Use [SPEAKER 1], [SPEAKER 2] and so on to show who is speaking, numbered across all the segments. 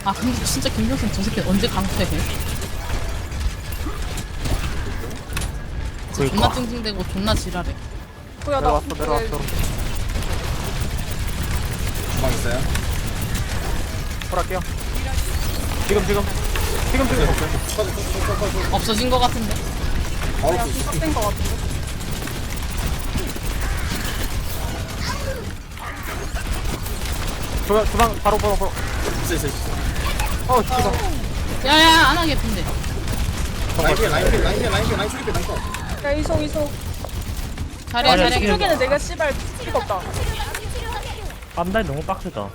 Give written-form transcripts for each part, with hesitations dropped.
[SPEAKER 1] 아 근데 진짜 김종생 저 새끼 언제 강퇴해? 진짜 존나 찡찡대고 존나 지랄해.
[SPEAKER 2] 뭐야 나
[SPEAKER 3] 내려왔어.
[SPEAKER 4] 주방 있어요?
[SPEAKER 3] 콜할게요. 지금.
[SPEAKER 1] 없어진 거 같은데.
[SPEAKER 4] 바로
[SPEAKER 2] 그냥
[SPEAKER 4] 또
[SPEAKER 2] 시작된 거 같은데.
[SPEAKER 3] 주방 바로.
[SPEAKER 4] 있어.
[SPEAKER 3] 지금.
[SPEAKER 1] 야야 안 하겠던데.
[SPEAKER 4] 라인 수리패 라인 컷.
[SPEAKER 2] 야 이소
[SPEAKER 1] 자리야
[SPEAKER 3] 아니야,
[SPEAKER 1] 자리야.
[SPEAKER 2] 이쪽에는 내가 씨발 피가 없다.
[SPEAKER 3] 앞라인 너무 빡세다.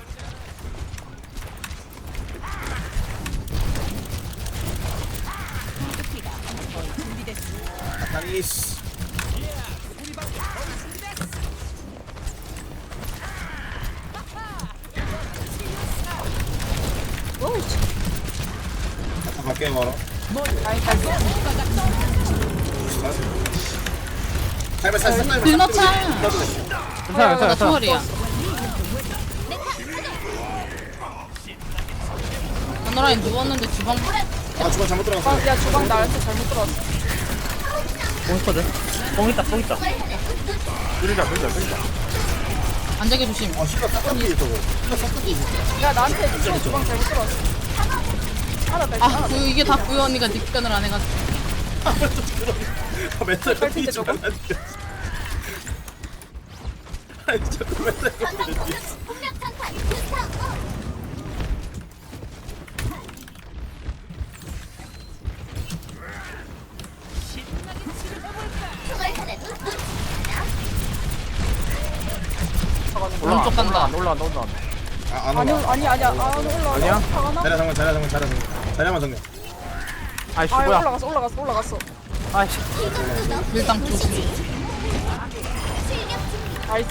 [SPEAKER 4] 나이스. 아까 갈게요 바로.
[SPEAKER 2] 아니 잘 써.
[SPEAKER 4] 살살
[SPEAKER 1] 길 넣자.
[SPEAKER 3] 괜찮아.
[SPEAKER 1] 나 초월이야. 하늘라인 누웠는데 주방
[SPEAKER 4] 아 주방 잘못 들어갔어.
[SPEAKER 2] 야 주방 나한테 잘못 들어왔어.
[SPEAKER 3] 뽕 있거든. 뽕 있다. 밀자.
[SPEAKER 1] 안되게 조심.
[SPEAKER 4] 아 씨발 싹둑이 저거. 싹둑이.
[SPEAKER 2] 야 나한테 주방 잘못 들어왔어. 하나 뺄게
[SPEAKER 1] 아
[SPEAKER 2] 하나
[SPEAKER 1] 구유 이게 다 구유 언니가 닉변을 안 해가지고.
[SPEAKER 4] 멘탈
[SPEAKER 2] 뺄 텐데, 저거?
[SPEAKER 4] 아니 자꾸 멘탈 깎이지.
[SPEAKER 1] 오른쪽 간다.
[SPEAKER 3] 올라.
[SPEAKER 4] 아안
[SPEAKER 2] 아니
[SPEAKER 4] 올라.
[SPEAKER 2] 아니야 안 올라와.
[SPEAKER 3] 아니야?
[SPEAKER 2] 하나?
[SPEAKER 4] 자리야만 정면.
[SPEAKER 3] 아이씨
[SPEAKER 2] 아
[SPEAKER 3] 뭐야.
[SPEAKER 2] 올라갔어.
[SPEAKER 3] 아이씨.
[SPEAKER 1] 밀당 조심.
[SPEAKER 2] 나이스.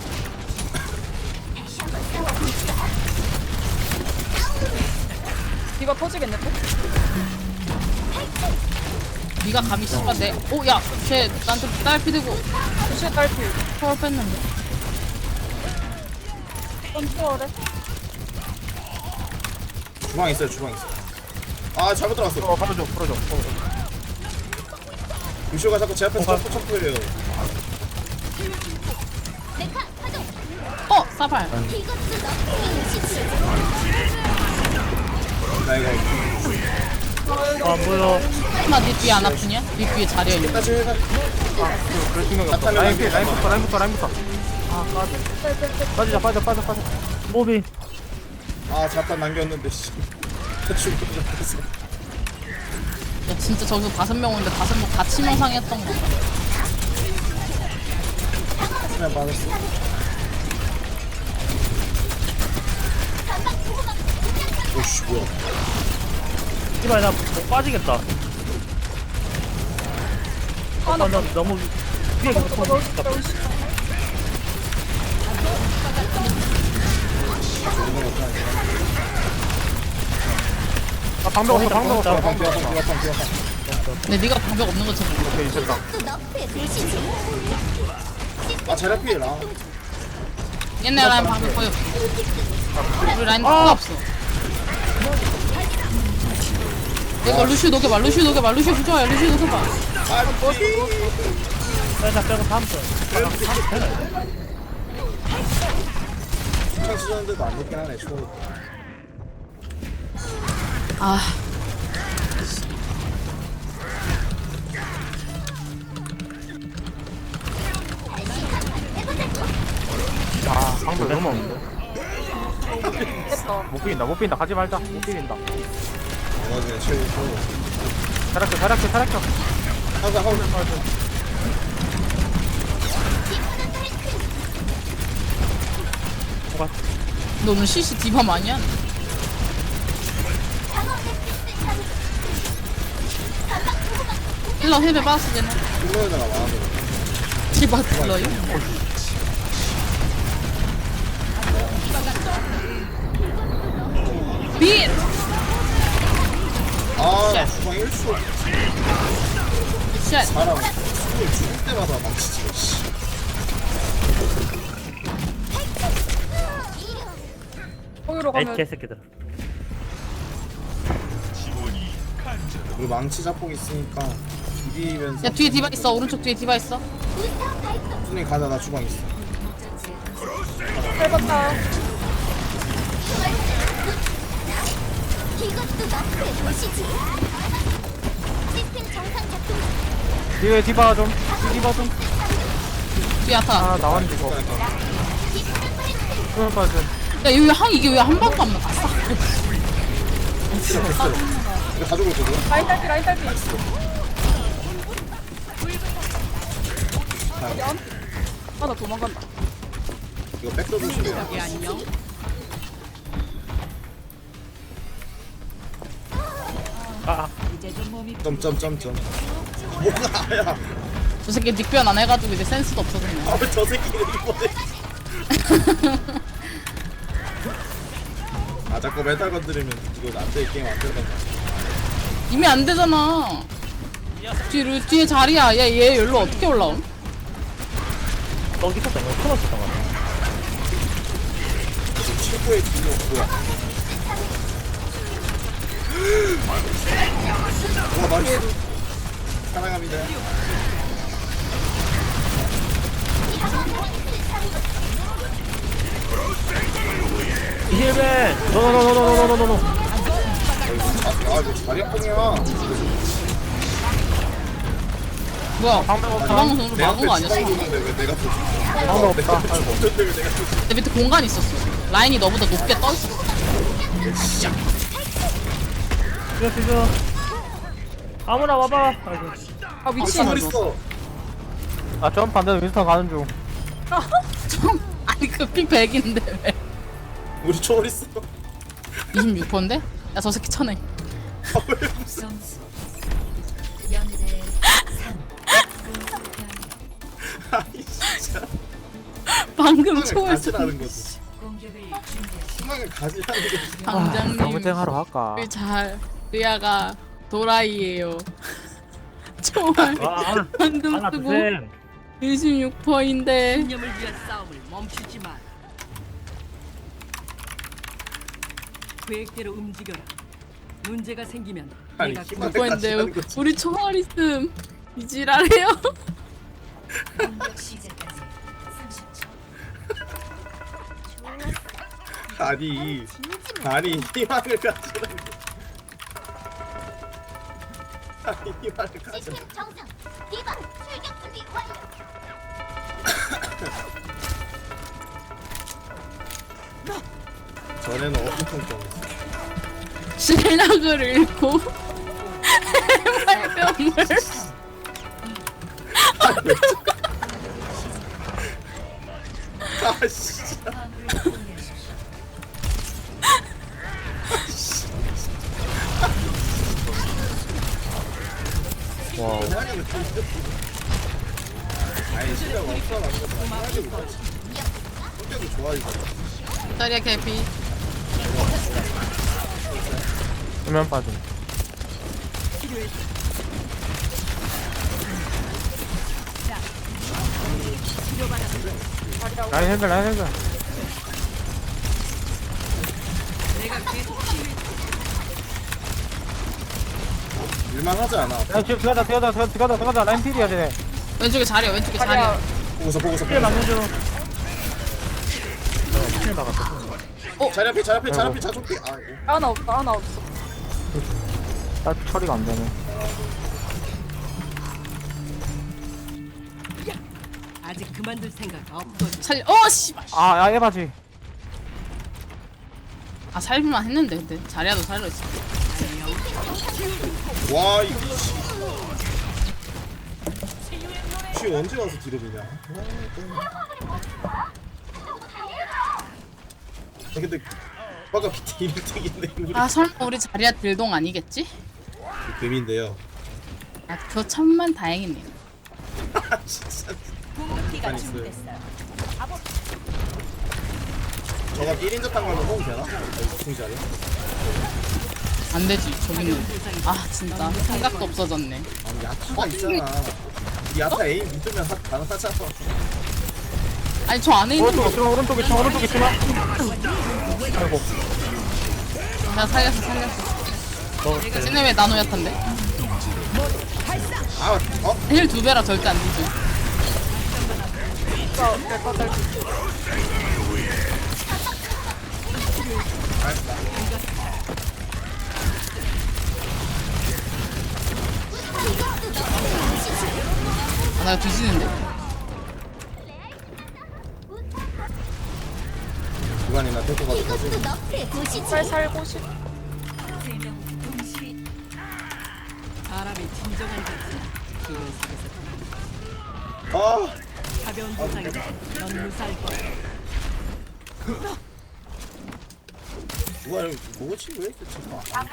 [SPEAKER 2] 이거 터지겠네 또?
[SPEAKER 1] 니가 감히 씨발 내. 오야 쟤 나한테 딸피 들고
[SPEAKER 2] 루시의 딸피.
[SPEAKER 1] 초월 뺐는데.
[SPEAKER 2] 컨트롤해.
[SPEAKER 4] 주방 있어. 아 잘못 들어갔어.
[SPEAKER 3] 풀어줘.
[SPEAKER 4] 루시오가 자꾸 제 앞에서 점프해요.
[SPEAKER 1] 사발.
[SPEAKER 4] 나 이거
[SPEAKER 3] 뭐야.
[SPEAKER 1] 나니 뒤에 안 아프냐? 니 뒤에 자리야 있는.
[SPEAKER 4] 다시 해가.
[SPEAKER 3] 그럴 생각이 없어. 라인부터. 아 빠져. 빠져. 모비.
[SPEAKER 4] 아 잠깐 남겼는데 씨. 대충 들어갔어.
[SPEAKER 1] 야 진짜 저기서 5명 오는데 5명 다 치명상했던 거.
[SPEAKER 4] 그냥 맞았어. 오씨 뭐야?
[SPEAKER 3] 이봐 나못 빠지겠다. 나 너무 위에 계속 보고 있다. 아 방벽 없어.
[SPEAKER 1] 근데 네가 방벽 없는 것처럼.
[SPEAKER 3] 오케이 됐다.
[SPEAKER 4] 아 제라필.
[SPEAKER 1] 옛날 라인 방벽 거의 없어. 우리 라인 하나 없어. 이거 루슈 녹여봐. 루슈 부조야. 루슈 녹여봐.
[SPEAKER 3] 자 저거 다음 턴.
[SPEAKER 4] 창 쓰셨는데도 안 먹긴 하네. 초.
[SPEAKER 1] 아
[SPEAKER 3] 방벽 너무 없는데.
[SPEAKER 2] 됐다.
[SPEAKER 3] 못 비긴다. 가지 말자. 못 비긴다.
[SPEAKER 4] 맞아 최고.
[SPEAKER 3] 타락해.
[SPEAKER 4] 하자.
[SPEAKER 1] 너는 CC 디밤 아니야? 힐러 힐베 빠졌어 쟤는.
[SPEAKER 4] 힐러에다가 와서.
[SPEAKER 1] 디바 딜러요? 빗!
[SPEAKER 4] 아 주방 1초.
[SPEAKER 1] 쉣!
[SPEAKER 4] 사람 숨을 죽을 때마다 망치지. 씨.
[SPEAKER 2] 거기로 가면
[SPEAKER 3] 개새끼들.
[SPEAKER 4] 우리 망치 자폭 있으니까 비비면서.
[SPEAKER 1] 야 뒤에 디바 있어. 오른쪽 뒤에 디바 있어.
[SPEAKER 4] 순이 가자, 나 주방 있어.
[SPEAKER 2] 밟았다.
[SPEAKER 5] 이것도 너프의 도시지. 시스템 정상 작동.
[SPEAKER 3] 뒤에 디바 좀. 디바 좀.
[SPEAKER 1] 뒤에 아타.
[SPEAKER 3] 아 나왔는데 이거. 그럴 빠져.
[SPEAKER 1] 야 여기 이게 왜 한 번도 안 나갔어?
[SPEAKER 4] 됐어. 이거 가지고 있거든.
[SPEAKER 2] 라인 딸피, 라인 딸피. 아, 나 도망간다.
[SPEAKER 4] 이거 백도 조심해요.
[SPEAKER 3] 아
[SPEAKER 4] 점점점점. 뭐가 야?
[SPEAKER 1] 저 새끼 닉변 안 해가지고 이제 센스도 없어졌네.
[SPEAKER 4] 아, 저 새끼는 이번에. 아, 자꾸 메탈 건드리면 이거 안돼, 게임 안 되는 거야.
[SPEAKER 1] 이미 안 되잖아. 뒤에 자리야. 얘 여기로 어떻게 올라옴?
[SPEAKER 3] 여기 있었던 거 코너 있었던 거.
[SPEAKER 4] 최고의 딜로 뭐야? 와, 맛있어. 사랑합니다.
[SPEAKER 3] 힐맨. 노노노노노노노노노.
[SPEAKER 4] 아, 이거 자리 아프냐?
[SPEAKER 1] 뭐야?
[SPEAKER 3] 방금 없다.
[SPEAKER 1] 방금 전으로
[SPEAKER 4] 내
[SPEAKER 1] 막은
[SPEAKER 4] 앞에
[SPEAKER 1] 거 아니었어?
[SPEAKER 4] 주방 줬는데 왜 내가 또
[SPEAKER 3] 방금 없다. 아이고.
[SPEAKER 4] 줬는데 왜 내가 또
[SPEAKER 1] 내 밑에 공간 있었어. 라인이 너보다 높게 떠 있었어.
[SPEAKER 3] 뛰어. 아무나 와봐. 아이고.
[SPEAKER 2] 아, 미친.
[SPEAKER 4] 뭘 있어?
[SPEAKER 3] 아전 반대로 윈스턴 가는 중.
[SPEAKER 1] 아니 그픽 100인데 왜?
[SPEAKER 4] 우리 초월 있어.
[SPEAKER 1] 26%인데? 야 저 새끼 쳐내.
[SPEAKER 4] 아, 왜 무슨? 아니 진짜.
[SPEAKER 1] 방금
[SPEAKER 4] 희망을
[SPEAKER 1] 초에서
[SPEAKER 4] 가지라는 거지. 희망을 가지라는 거지.
[SPEAKER 1] 방장님
[SPEAKER 3] 경쟁 하러 갈까?
[SPEAKER 1] 우리 잘 리아가 도라이예요. 정말
[SPEAKER 3] 아,
[SPEAKER 1] 방금
[SPEAKER 3] 하나
[SPEAKER 1] 쓰고
[SPEAKER 3] 둘
[SPEAKER 1] 26%인데
[SPEAKER 6] 신념을 위한 싸움을 멈추지 마. 계획대로 움직여라. 문제가 생기면
[SPEAKER 4] 아니,
[SPEAKER 6] 내가
[SPEAKER 4] 희망을
[SPEAKER 1] 근데
[SPEAKER 4] 가지라는 거지.
[SPEAKER 1] 우리 총알 있음 이지랄해요.
[SPEAKER 4] 아니 희망을 가지라는 거. 아니 희망을 가지라.
[SPEAKER 5] 시스템 정상. 디바 출격 준비 완료.
[SPEAKER 4] 전에는 엄청 좀.
[SPEAKER 1] 실력을 잃고 해발병을
[SPEAKER 4] 아 진짜.
[SPEAKER 3] 와.
[SPEAKER 4] 아니 실력 없어라는 거다. 생각이 못하지. 성격이 좋아 이거.
[SPEAKER 1] 자리야 개피.
[SPEAKER 3] 수면 빠짐. 라인 핸들.
[SPEAKER 4] 일만 하지 않아.
[SPEAKER 3] 야 지금 들어가자. 라인 필이야 쟤네.
[SPEAKER 1] 왼쪽에 자리야 왼쪽에
[SPEAKER 2] 자리야.
[SPEAKER 1] 자리야.
[SPEAKER 4] 보고서.
[SPEAKER 3] 필 맞는 중. 필 막았어.
[SPEAKER 4] 자리 앞에 자조피. 아이고.
[SPEAKER 2] 하나 없다, 하나 없어.
[SPEAKER 3] 딱 처리가 안 되네.
[SPEAKER 6] 아직 그만둘 생각 없거든.
[SPEAKER 1] 살려. 씨발.
[SPEAKER 3] 아 에바지.
[SPEAKER 1] 아 살기만 했는데 근데 자리야도 살려 있어.
[SPEAKER 4] 와 이거. 쥐 언제 와서 디럽이냐? 근데 아까 밑에 1등인데 우리
[SPEAKER 1] 아 설마 우리 자리야 딜동 아니겠지?
[SPEAKER 4] 금인데요.
[SPEAKER 1] 아 그거 천만 다행이네.
[SPEAKER 4] 진짜. 저가 1인자 탄 걸로 호응 되나? 승자리.
[SPEAKER 1] 안 되지 저기는. 아 진짜 생각도 없어졌네.
[SPEAKER 4] 아니 야타가 있잖아. 이 야타 에임 믿으면 가능하잖아.
[SPEAKER 1] 아니 저 안에 있는 거
[SPEAKER 3] 오른쪽에 있지마. 아이고.
[SPEAKER 1] 내가 살렸어.
[SPEAKER 3] 먹었어요.
[SPEAKER 1] 쟤네 왜 나노 야탄데?
[SPEAKER 4] 아, 어?
[SPEAKER 1] 힐 2배라 절대 안 되죠.
[SPEAKER 2] 진짜 내거 될
[SPEAKER 1] 아, 나 뒤지는데?
[SPEAKER 4] 주간이나 데리고 가서 거지.
[SPEAKER 5] 이것도 너프의 도시지.
[SPEAKER 2] 살 살고 싶.
[SPEAKER 6] 사람이 진정한 것은 기회 속에서
[SPEAKER 4] 아,
[SPEAKER 6] 가벼운 부상이다. 넌 무사할 거야.
[SPEAKER 4] 누가 이렇게 보고 친구 왜 이렇게 쳐?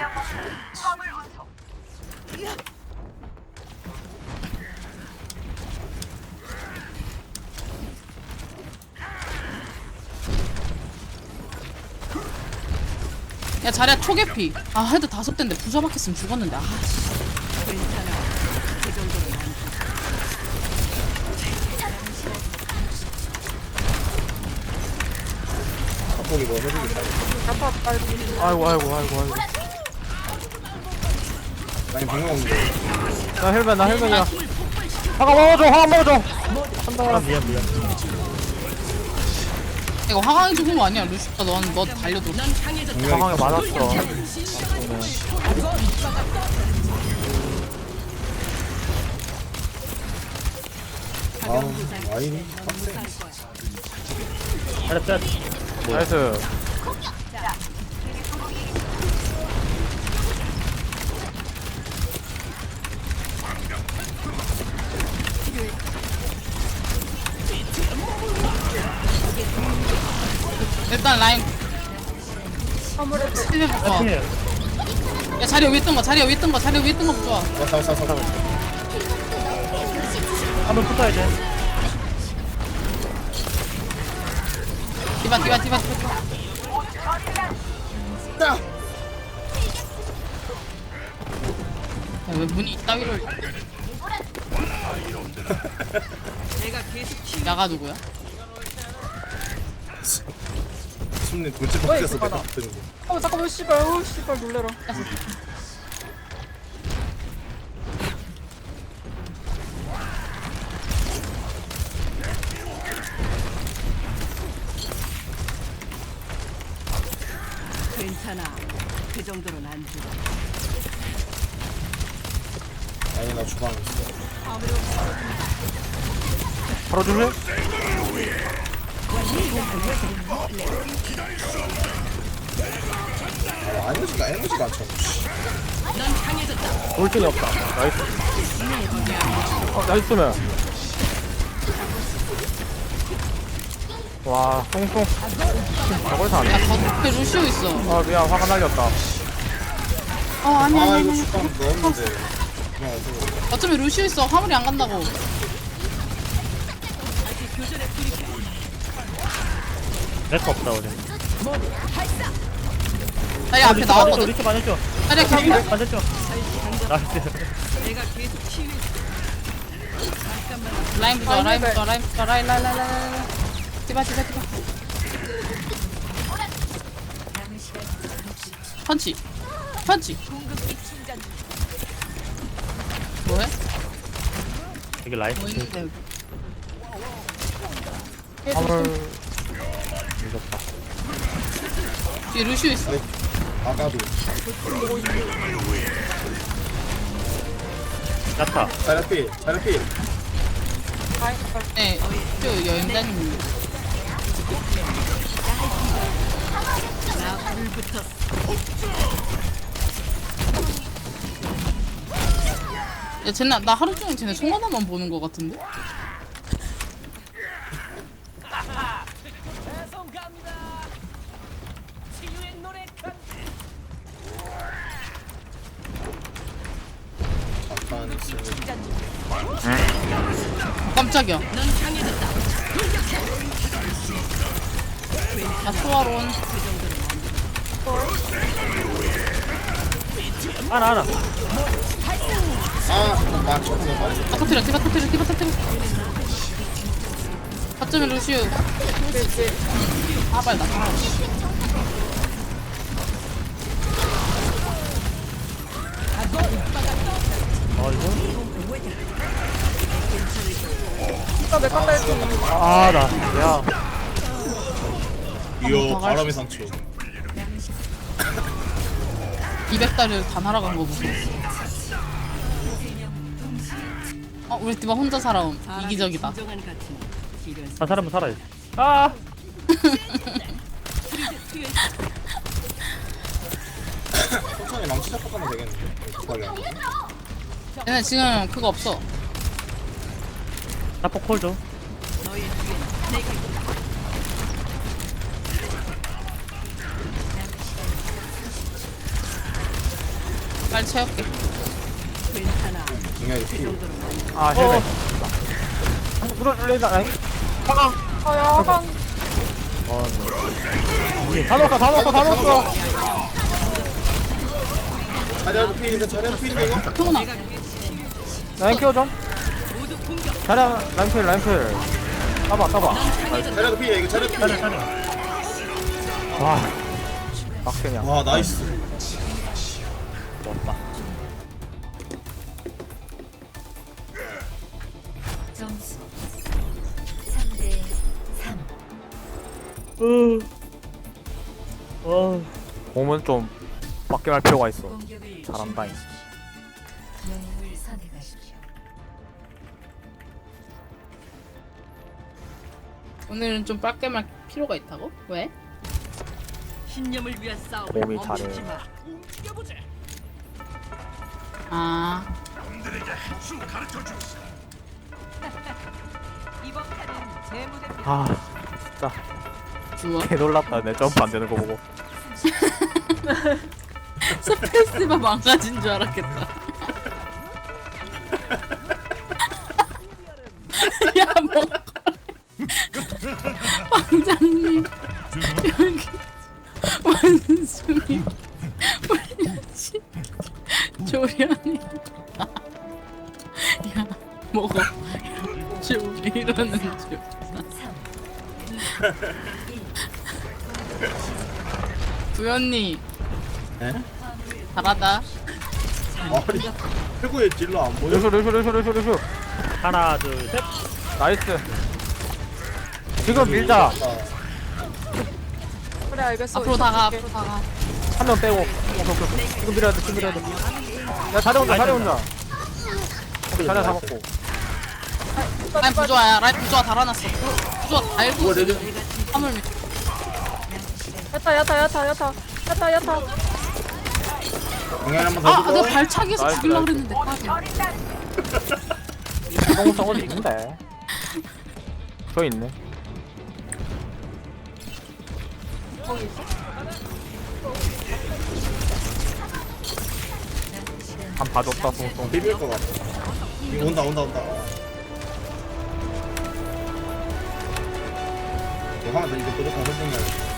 [SPEAKER 1] 야 자리야 초계피. 아 헤드 5대인데 부자 박혔으면 죽었는데. 아 씨.
[SPEAKER 6] 괜찮아. 그 정도는 안 돼.
[SPEAKER 4] 갑자기 뭐 해주겠다.
[SPEAKER 2] 아파 빨리.
[SPEAKER 3] 아이고.
[SPEAKER 4] 아니, 방금 없는데.
[SPEAKER 3] 나 헬멧이야. 화가 먹어줘. 아, 미안.
[SPEAKER 1] 이거 화강이 죽은 거 아니야? 루시가 너 달려들어.
[SPEAKER 3] 상황에 맞았어.
[SPEAKER 4] 아, 아이니.
[SPEAKER 3] 잘했다. 나이스.
[SPEAKER 1] 일단 라인
[SPEAKER 2] 화물에
[SPEAKER 1] 스피드 바꿔. 야 자리야 위에 있던 거 좋아.
[SPEAKER 4] 왔다.
[SPEAKER 3] 한번 붙어야 돼.
[SPEAKER 1] 디바.
[SPEAKER 4] 야!
[SPEAKER 1] 왜 문이 이따위로.
[SPEAKER 6] 내가 계속 치.
[SPEAKER 1] 야가 누구야?
[SPEAKER 4] 숨는 돌체 바뀌어서 내가 드는 거.
[SPEAKER 2] 잠깐만 씨발. 씨발 놀래라.
[SPEAKER 6] 괜찮아. 그 정도는 안 돼.
[SPEAKER 4] 아니, 나 주방 있어.
[SPEAKER 3] 바로 줄래?
[SPEAKER 4] 아, 에너지가 안 차.
[SPEAKER 3] 돌진이 없다. 나이스. 나이스면. 와, 똥똥. 저걸 사네.
[SPEAKER 1] 야 겉에 루시오 있어.
[SPEAKER 3] 아, 미안. 화가 날렸다.
[SPEAKER 1] 아니.
[SPEAKER 4] 아, 이거 주방 넣었는데. 그냥 어쩌고.
[SPEAKER 1] 어차피 루시오 있어. 화물이 안 간다고.
[SPEAKER 3] 렉 없다, 우리.
[SPEAKER 1] 자리야 앞에 나왔거든.
[SPEAKER 3] 리치 반했죠?
[SPEAKER 1] 자리야 개피.
[SPEAKER 3] 반했죠? 나이스.
[SPEAKER 6] 내가 계속 치유.
[SPEAKER 1] 라인부터 라인. 디바. 펀치. 뭐해?
[SPEAKER 3] 이게 라인.
[SPEAKER 1] 뭐 있는데 여기.
[SPEAKER 3] 화물. 무섭다.
[SPEAKER 1] 뒤에 루시오 있어.
[SPEAKER 4] 아까도.
[SPEAKER 3] 야타.
[SPEAKER 4] 자라필.
[SPEAKER 1] 네, 저 여행자님.
[SPEAKER 6] 나 불부터
[SPEAKER 1] 야, 쟤네 나 하루 종일 쟤네 송하나만 보는 거 같은데?
[SPEAKER 4] 잠깐 있으면.
[SPEAKER 1] 깜짝이야.
[SPEAKER 6] 넌 강해졌다.
[SPEAKER 1] 야, 소화론.
[SPEAKER 3] 하나.
[SPEAKER 4] 아, 맞췄어.
[SPEAKER 1] 아, 터트려. 가점에 루시오. 아, 빨리 나.
[SPEAKER 2] 디바 메카 딸피.
[SPEAKER 3] 야.
[SPEAKER 4] 이요 바람의 상처.
[SPEAKER 1] 200달을 다 날아간 거 보고. 우리 디바 혼자 살아옴. 이기적이다.
[SPEAKER 6] 진정한 가치는 필요한
[SPEAKER 3] 한 사람은 살아야지. 아.
[SPEAKER 4] 천천히 망치 잡고 가면 되겠는데. 급하게 안 돼.
[SPEAKER 1] 얘네 지금 그거 없어.
[SPEAKER 3] 나 포콜 줘.
[SPEAKER 6] 너의 뒤엔 내가 있다.
[SPEAKER 1] 빨리 채울게.
[SPEAKER 6] 괜찮아.
[SPEAKER 4] 중요하게
[SPEAKER 6] 그
[SPEAKER 4] 필요.
[SPEAKER 6] 정도로 난
[SPEAKER 3] 아 헬멧. 물어줄래나? 화강.
[SPEAKER 2] 아야 화강.
[SPEAKER 3] 다 넣었어.
[SPEAKER 4] 자리하고 필인데 자리하고 필인데 이거?
[SPEAKER 1] 통훈아.
[SPEAKER 3] 라인 키워 좀.
[SPEAKER 6] 모두 공격.
[SPEAKER 3] 자리야 라인 필. 따봐.
[SPEAKER 4] 자리하고 필이야 이거 자리하고 필.
[SPEAKER 3] 와. 막대냐.
[SPEAKER 4] 와 나이스.
[SPEAKER 3] 좋았다.
[SPEAKER 5] 점수 3대 3.
[SPEAKER 3] 공은 좀 밖에 할 필요가 있어.
[SPEAKER 5] 공격을
[SPEAKER 3] 잘한다잉.
[SPEAKER 5] 영웅을 선택하십시오.
[SPEAKER 1] 오늘은 좀 빨게 말 필요가 있다고? 왜?
[SPEAKER 6] 신념을 위한 싸움을
[SPEAKER 3] 몸이
[SPEAKER 6] 멈추지
[SPEAKER 3] 잘해.
[SPEAKER 6] 마. 움직여보자.
[SPEAKER 1] 아,
[SPEAKER 6] 이번 판은 제 무대입니다.
[SPEAKER 3] 아 진짜
[SPEAKER 1] 좋아.
[SPEAKER 3] 개 놀랐다. 내 점프 안 되는 거 보고.
[SPEAKER 1] 스페이스만 망가진 줄 알았겠다. 야, 뭐. 왕장님, 여기 원숭이 물려지 조련이. 야, 먹어. 조리라는 줄. 부연님.
[SPEAKER 4] 에?
[SPEAKER 1] 잘하다.
[SPEAKER 4] 아니 최고의 딜러 안 보여?
[SPEAKER 3] 루슈. 하나 둘 셋. 나이스. 지금 밀자.
[SPEAKER 2] 그래 알겠어.
[SPEAKER 1] 앞으로 다가,
[SPEAKER 2] 이렇게.
[SPEAKER 1] 앞으로 다가.
[SPEAKER 3] 한 명 빼고. 오케이. 지금 밀어야 돼. 야 자리 혼자. 오케이, 자리 잡았고.
[SPEAKER 1] 라인 부조화야. 라인 부조화 달아놨어. 부조화 달고
[SPEAKER 4] 뭐가 되죠?
[SPEAKER 1] 화물 밑.
[SPEAKER 2] 야타.
[SPEAKER 4] 공연 한번
[SPEAKER 1] 아,
[SPEAKER 4] 더
[SPEAKER 1] 내가
[SPEAKER 4] 주고.
[SPEAKER 1] 발차기에서
[SPEAKER 3] 나이스,
[SPEAKER 1] 죽이려고
[SPEAKER 3] 나이스.
[SPEAKER 1] 그랬는데.
[SPEAKER 3] 성공성 어디 있는데? 저 있네.
[SPEAKER 2] 거기 있어?
[SPEAKER 3] 한 봐줬다 송송.
[SPEAKER 4] 비빌 것 같아. 이거 온다. 이거 하면 이제 무조건 선생님.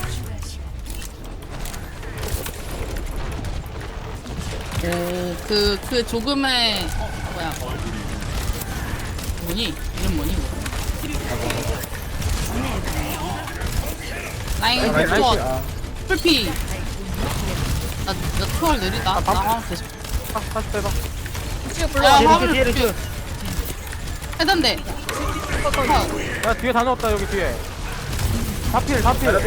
[SPEAKER 1] 그 조금의 뭐야? 뭐니? 이름 뭐니? 라인 부조화 풀피. 나 투월 느리다. 나 화물 계속.
[SPEAKER 3] 다시 빼봐.
[SPEAKER 2] 지금 불러.
[SPEAKER 1] 야,
[SPEAKER 3] 뒤에
[SPEAKER 1] 화물
[SPEAKER 3] 뒤에 뒤에.
[SPEAKER 1] 해단대.
[SPEAKER 3] 야 뒤에 다 넣었다 여기 뒤에. 다필.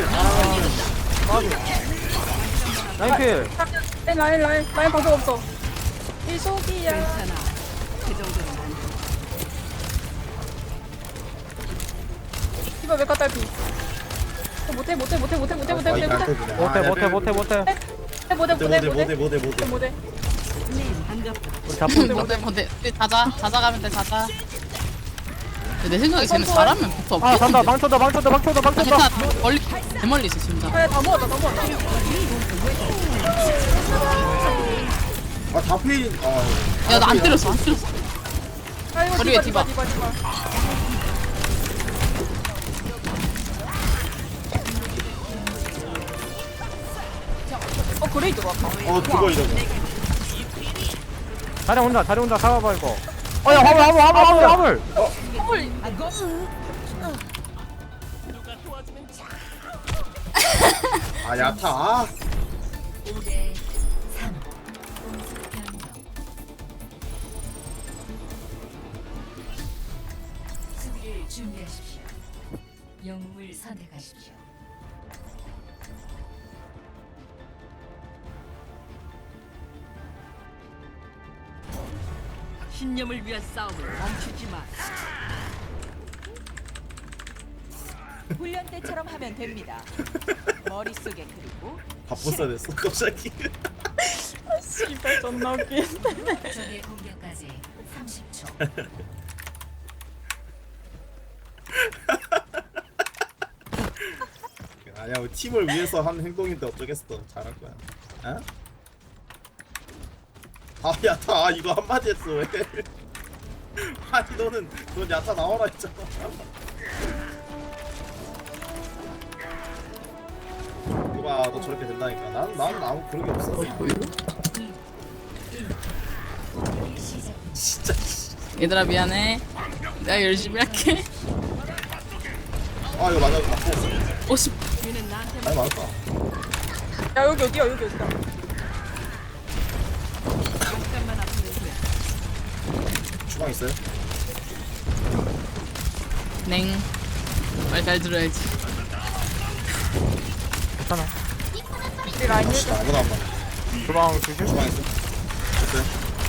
[SPEAKER 3] 라인 필.
[SPEAKER 2] 라인 방송 없어. 이속이야.
[SPEAKER 6] 괜찮아. 그 정도로 난
[SPEAKER 2] 디바 메카 딸피. 못해.
[SPEAKER 3] 못해.
[SPEAKER 6] 반갑다.
[SPEAKER 3] 우리 잡고
[SPEAKER 1] 뭔데? 우리 자자 가면 돼. 자자. 내 생각에 쟤는 잘하면 붙어.
[SPEAKER 3] 아 간다. 방쳐다.
[SPEAKER 1] 괜찮아. 멀리 대멀리 있어 진짜.
[SPEAKER 2] 아, 다 모았다.
[SPEAKER 4] 다 페인.
[SPEAKER 1] 야 나 안 때렸어.
[SPEAKER 2] 아이고
[SPEAKER 1] 머리 위에
[SPEAKER 2] 디바.
[SPEAKER 1] 디바.
[SPEAKER 2] 그레이 들어왔다.
[SPEAKER 4] 그거 이러고.
[SPEAKER 3] 자리 혼자 잡아봐 이거. 야 화물.
[SPEAKER 4] 야타.
[SPEAKER 5] 5대 3. 공수 변경. 영웅을 선택하십시오.
[SPEAKER 6] 신념을 위한 싸움을 멈추지 마.
[SPEAKER 2] 훈련 때처럼 하면 됩니다. 머릿속에 그리고
[SPEAKER 4] 바쁘사 됐어 갑자기.
[SPEAKER 1] 씨발 존나 웃기는데.
[SPEAKER 5] 적의 공격까지 30초.
[SPEAKER 4] 아니야 뭐 팀을 위해서 한 행동인데 어쩌겠어. 잘할 거야. 어? 아야 다 이거 한마디 했어 왜? 아니 넌 야타 나와라 했잖아. 이봐 너 저렇게 된다니까. 난 아무 그런 게 없어.
[SPEAKER 5] 시작.
[SPEAKER 4] 진짜. 씨.
[SPEAKER 1] 얘들아 미안해. 내가 열심히 할게.
[SPEAKER 4] 아 이거 맞아. 아파.
[SPEAKER 1] 50.
[SPEAKER 6] 뒤는 나한테
[SPEAKER 4] 아니 맞다.
[SPEAKER 2] 야 여기 어디야 여기 어디야.
[SPEAKER 6] 잠깐만 아프면 돼.
[SPEAKER 4] 주방 있어요?
[SPEAKER 1] 냉. 말 잘 들어야지.
[SPEAKER 3] 괜찮아.
[SPEAKER 2] 우리 라인
[SPEAKER 4] 아씨 나 아무도 안 봐.
[SPEAKER 3] 주방 주실?
[SPEAKER 4] 주방 있어. 됐어요.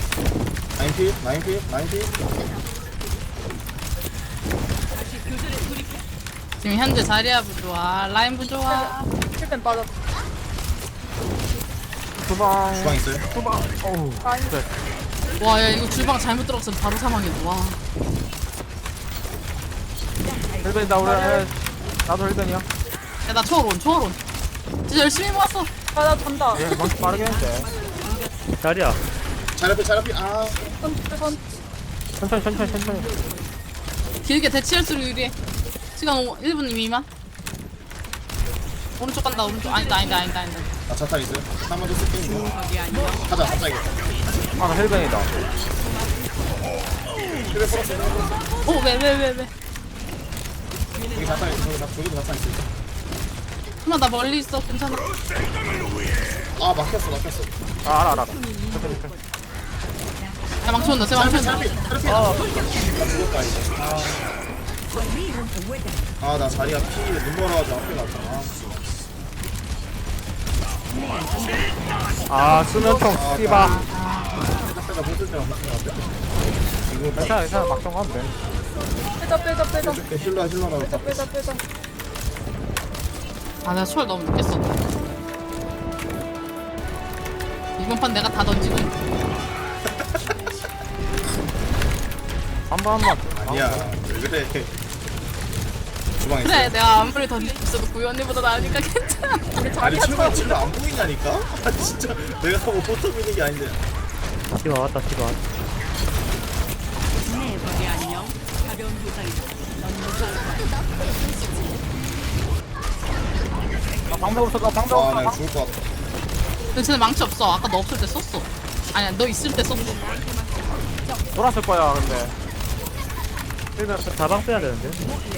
[SPEAKER 4] 나인필.
[SPEAKER 6] 다시 교전에 돌입해.
[SPEAKER 1] 지금 현재 자리야 부좋아. 라인 부좋아.
[SPEAKER 2] 힐벤 빠졌.
[SPEAKER 3] 주방.
[SPEAKER 4] 주방 있어요?
[SPEAKER 3] 주방. 어우.
[SPEAKER 2] 라인
[SPEAKER 3] 진짜.
[SPEAKER 1] 와 야 이거 주방 잘못 들어갔으면 바로 사망이다. 와.
[SPEAKER 3] 헬벤이다 우리. 나도 헬벤이야.
[SPEAKER 1] 야나 초월온. 진짜 열심히 모았어.
[SPEAKER 2] 아나 잔다.
[SPEAKER 3] 얘 망치 빠르게 했는데.
[SPEAKER 7] 자리야.
[SPEAKER 4] 자라피 아
[SPEAKER 3] 천천히.
[SPEAKER 1] 길게 대치할수록 유리해. 시간 1분 미만. 오른쪽 간다 오른쪽. 아니다.
[SPEAKER 4] 나 자탄 있어요? 한번 더 쓸게 이거. 가자 갑자기.
[SPEAKER 3] 아, 나 헬벤이다.
[SPEAKER 4] 힐을 풀었어.
[SPEAKER 1] 오 왜.
[SPEAKER 4] 여기 자탄 있어. 저기도 자탄 있어.
[SPEAKER 1] 하나 나 멀리 있어. 괜찮아.
[SPEAKER 4] 아 막혔어.
[SPEAKER 3] 아, 알아.
[SPEAKER 1] 야 망치 온다. 쟤 망치 온다.
[SPEAKER 4] 나 죽었다 이제. 아나 자리가 피 눈멀어가지고 앞에 갔잖아.
[SPEAKER 3] 아, 수면총 씨바.
[SPEAKER 4] 빼자 못쓸 때만 막힌 것 같아. 이거
[SPEAKER 3] 괜찮아. 막상 가면 돼.
[SPEAKER 2] 빼자.
[SPEAKER 4] 힐러라고 다
[SPEAKER 2] 빼자.
[SPEAKER 1] 아 나 초월 너무 늦게 썼다. 이번 판 내가 다 던지고.
[SPEAKER 3] 한 번만.
[SPEAKER 4] 아니야 왜 그래. 주방 있어.
[SPEAKER 1] 그래 내가 아무리 던지고 있어도 구이 언니보다 나으니까 괜찮아.
[SPEAKER 4] 아니 친구가 안 보이냐니까? 아 진짜 내가 뭐 포터 미는 게 아닌데.
[SPEAKER 7] 티가 왔다.
[SPEAKER 6] 네, 거기 안녕. 가벼운 부상이다. 넌
[SPEAKER 3] 방법 없어.
[SPEAKER 4] 아나 죽을 것 같아.
[SPEAKER 1] 근데 쟤는 망치 없어. 아까 너 없을 때 썼어. 아니야 너 있을 때 썼어.
[SPEAKER 3] 돌았을 거야, 근데. 헬벤.
[SPEAKER 7] 자방 빼야 되는데.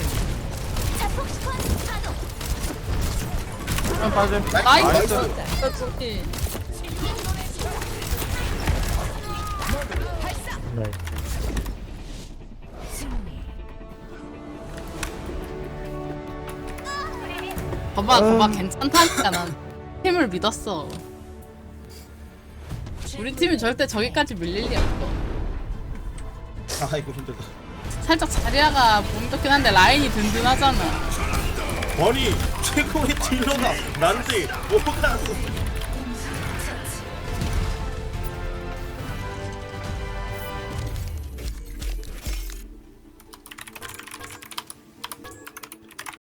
[SPEAKER 3] 헬벤 빠짐.
[SPEAKER 1] 나이스.
[SPEAKER 3] 나이스.
[SPEAKER 7] 네.
[SPEAKER 1] 봐봐 괜찮다니까 난 팀을 믿었어. 우리 팀이 절대 저기까지 밀릴 리 없어.
[SPEAKER 4] 아 이거 힘들다.
[SPEAKER 1] 살짝 자리아가 몸이 좋긴 한데 라인이 든든하잖아.
[SPEAKER 4] 아니 최고의 딜러가 난데 뭐가